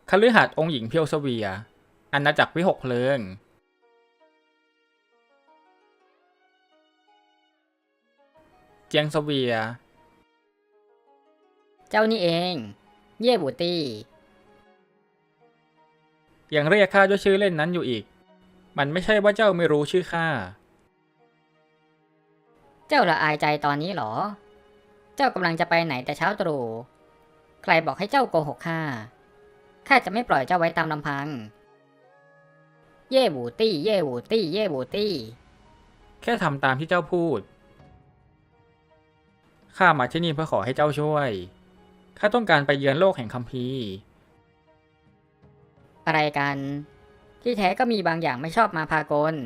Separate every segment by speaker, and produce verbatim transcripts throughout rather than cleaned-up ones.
Speaker 1: คฤหัสถ์องค์หญิงเพียวเสวียอาณาจักรวิหกเพลิงเจียงเสวีย
Speaker 2: เจ้านี่เอง เย่บูตี้
Speaker 1: ยังเรียกข้าด้วยชื่อเล่นนั้นอยู่อีกมันไม่ใช่ว่าเจ้าไม่รู้ชื่อข้า
Speaker 2: เจ้าละอายใจตอนนี้หรอ เจ้ากำลังจะไปไหนแต่เช้าตรู่ใครบอกให้เจ้าโกหกข้าข้าจะไม่ปล่อยเจ้าไว้ตามลำพัง เย่บูตี้เย่บูตี้เย่บูตี้
Speaker 1: แค่ทำตามที่เจ้าพูดข้ามาที่นี่เพื่อขอให้เจ้าช่วยข้าต้องการไปเยือนโลกแห่งคัมภีร์
Speaker 2: อะไรกัน ที่แท้ก็มีบางอย่างไม่ชอบมาพากล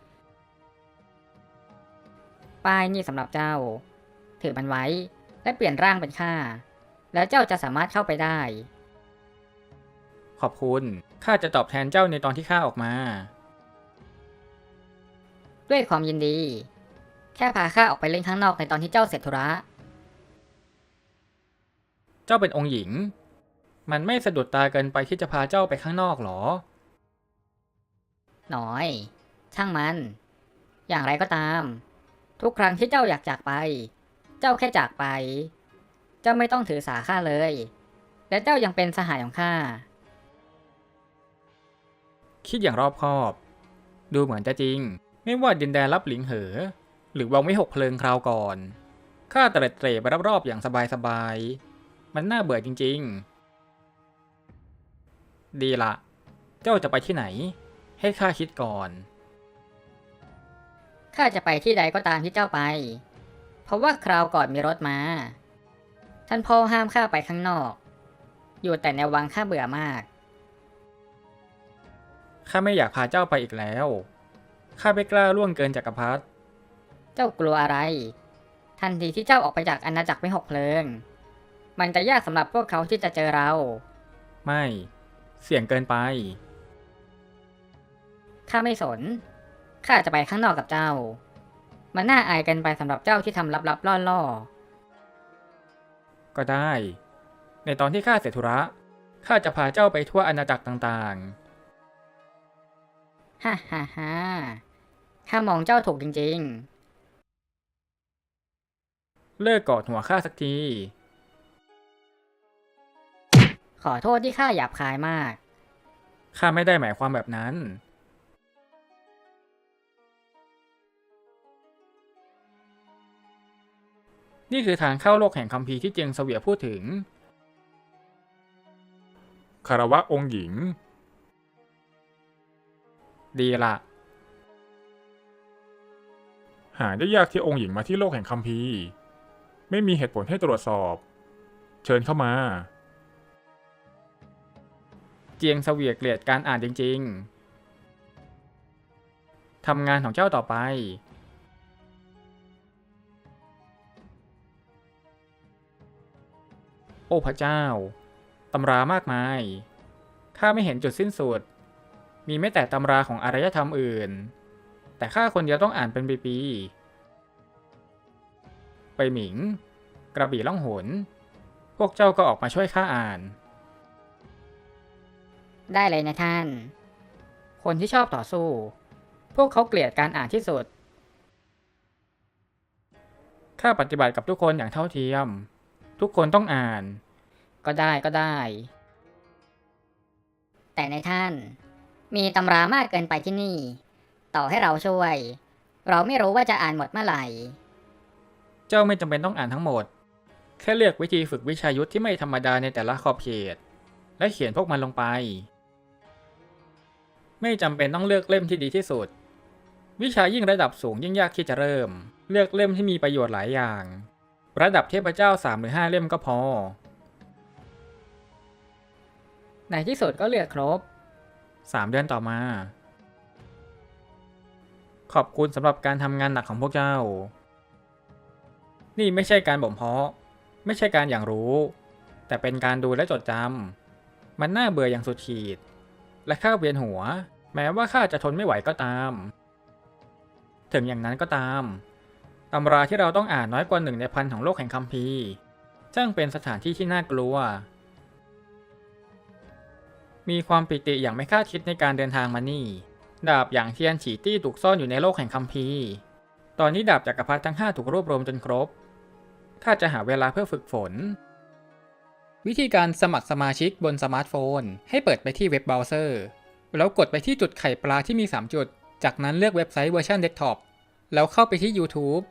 Speaker 2: ป้ายนี่สำหรับเจ้า ถือมันไว้และเปลี่ยนร่างเป็นข้าแล้วเจ้าจะสามารถเข้าไปได้
Speaker 1: ขอบคุณข้าจะตอบแทนเจ้าในตอนที่ข้าออกมา
Speaker 2: ด้วยความยินดี แค่พาข้าออกไปเล่นข้างนอกในตอนที่เจ้าเสร็จธุระ
Speaker 1: เจ้าเป็นองค์หญิงมันไม่สะดุดตาเกินไปที่จะพาเจ้าไปข้างนอกหรอ
Speaker 2: หน่อย ช่างมัน อย่างไรก็ตาม ทุกครั้งที่เจ้าอยากจากไป เจ้าแค่จากไป เจ้าไม่ต้องถือสาข้าเลย และเจ้ายังเป็นสหายของข้า
Speaker 1: คิดอย่างรอบคอบ ดูเหมือนจะจริงไม่ว่าดินแดนลับหลิงเหอหรือวังวิหกเพลิงคราวก่อนข้าเตร็ดเตร่ไปรอบๆอย่างสบายๆมันน่าเบื่อจริงๆดีละเจ้าจะไปที่ไหนให้ข้าคิดก่อน
Speaker 2: ข้าจะไปที่ใดก็ตามที่เจ้าไป เพราะว่าคราวก่อนมีรถมาท่านพ่อห้ามข้าไปข้างนอก อยู่แต่ในวังข้าเบื่อมาก
Speaker 1: ข้าไม่อยากพาเจ้าไปอีกแล้วข้าไม่กล้าล่วงเกินจักรพรรดิ
Speaker 2: เจ้ากลัวอะไร ทันทีที่เจ้าออกไปจากอาณาจักรไม่หกเพลิง มันจะยากสำหรับพวกเขาที่จะเจอเรา
Speaker 1: ไม่เสี่ยงเกินไป
Speaker 2: ข้าไม่สน ข้าจะไปข้างนอกกับเจ้า มันน่าอายเกินไปสำหรับเจ้าที่ทำลับๆล่อ
Speaker 1: ก็ได้ ในตอนที่ข้าเสร็จธุระข้าจะพาเจ้าไปทั่วอาณาจักรต่าง
Speaker 2: ๆฮ่าฮ่าฮ่าข้ามองเจ้าถูกจริง
Speaker 1: ๆเลิกกอดหัวข้าสักที
Speaker 2: ขอโทษที่ข้าหยาบคายมาก
Speaker 1: ข้าไม่ได้หมายความแบบนั้นนี่คือทางเข้าโลกแห่งคัมภีร์ที่เจียงเสวียพูดถึง
Speaker 3: คารวะองค์หญิง
Speaker 1: ดีละ
Speaker 3: หาได้ยากที่องค์หญิงมาที่โลกแห่งคัมภีร์ไม่มีเหตุผลให้ตรวจสอบ เชิญเข้ามา
Speaker 1: เจียงเสวียเกลียดการอ่านจริงๆทำงานของเจ้าต่อไปโอ้พระเจ้าตำรามากมายข้าไม่เห็นจุดสิ้นสุดมีไม่แต่ตำราของอารยธรรมอื่นแต่ข้าคนเดียวต้องอ่านเป็นปีๆไปหมิงกระบี่ล่องหนพวกเจ้าก็ออกมาช่วยข้าอ่าน
Speaker 2: ได้เลยนะท่าน คนที่ชอบต่อสู้ พวกเขาเกลียดการอ่านที่สุด
Speaker 1: ข้าปฏิบัติกับทุกคนอย่างเท่าเทียมทุกคนต้องอ่าน
Speaker 2: ก็ได้ก็ได้ แต่ในท่านมีตำรามากเกินไปที่นี่ ต่อให้เราช่วย เราไม่รู้ว่าจะอ่านหมดเมื่อไหร่
Speaker 1: เจ้าไม่จำเป็นต้องอ่านทั้งหมดแค่เลือกวิธีฝึกวิชายุทธที่ไม่ธรรมดาในแต่ละขอบเขตและเขียนพวกมันลงไปไม่จำเป็นต้องเลือกเล่มที่ดีที่สุดวิชายิ่งระดับสูงยิ่งยากที่จะเริ่มเลือกเล่มที่มีประโยชน์หลายอย่างระดับเทพเจ้าสามหรือห้าเล่มก็พอ
Speaker 2: ในที่สุดก็เลือกครบ
Speaker 1: สามเดือนต่อมาขอบคุณสำหรับการทำงานหนักของพวกเจ้านี่ไม่ใช่การบ่มเพาะไม่ใช่การอย่างรู้แต่เป็นการดูและจดจำมันน่าเบื่ออย่างสุดขีดและข้าเวียนหัวแม้ว่าข้าจะทนไม่ไหวก็ตามถึงอย่างนั้นก็ตามตำราที่เราต้องอ่านน้อยกว่าหนึ่งในพันของโลกแห่งคัมภีร์ช่างเป็นสถานที่ที่น่ากลัวมีความปิติอย่างไม่คาดคิดในการเดินทางมานี่ ดาบอย่างเทียนฉีตี้ถูกซ่อนอยู่ในโลกแห่งคัมภีร์ ตอนนี้ดาบจักรพรรดิทั้งห้าถูกรวบรวมจนครบ ข้าจะหาเวลาเพื่อฝึกฝน วิธีการสมัครสมาชิกบนสมาร์ทโฟน ให้เปิดไปที่เว็บเบราว์เซอร์ แล้วกดไปที่จุดไข่ปลาที่มีสามจุด จากนั้นเลือกเว็บไซต์เวอร์ชันเดสก์ท็อป แล้วเข้าไปที่ YouTube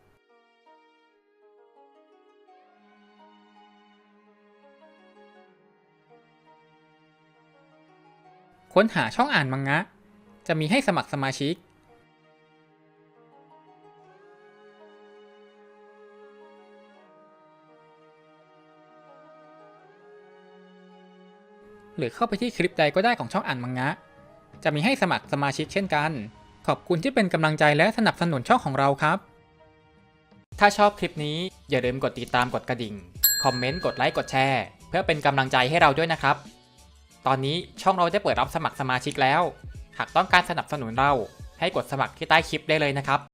Speaker 1: ค้นหาช่องอ่านมังงะ จะมีให้สมัครสมาชิก หรือเข้าไปที่คลิปใดก็ได้ของช่องอ่านมังงะ จะมีให้สมัครสมาชิกเช่นกัน ขอบคุณที่เป็นกำลังใจและสนับสนุนช่องของเราครับ ถ้าชอบคลิปนี้อย่าลืมกดติดตามกดกระดิ่ง คอมเมนต์ กดไลค์ กดแชร์ เพื่อเป็นกำลังใจให้เราด้วยนะครับ ตอนนี้ช่องเราได้เปิดรับสมัครสมาชิกแล้ว หากต้องการสนับสนุนเราให้กดสมัครที่ใต้คลิปได้เลยนะครับ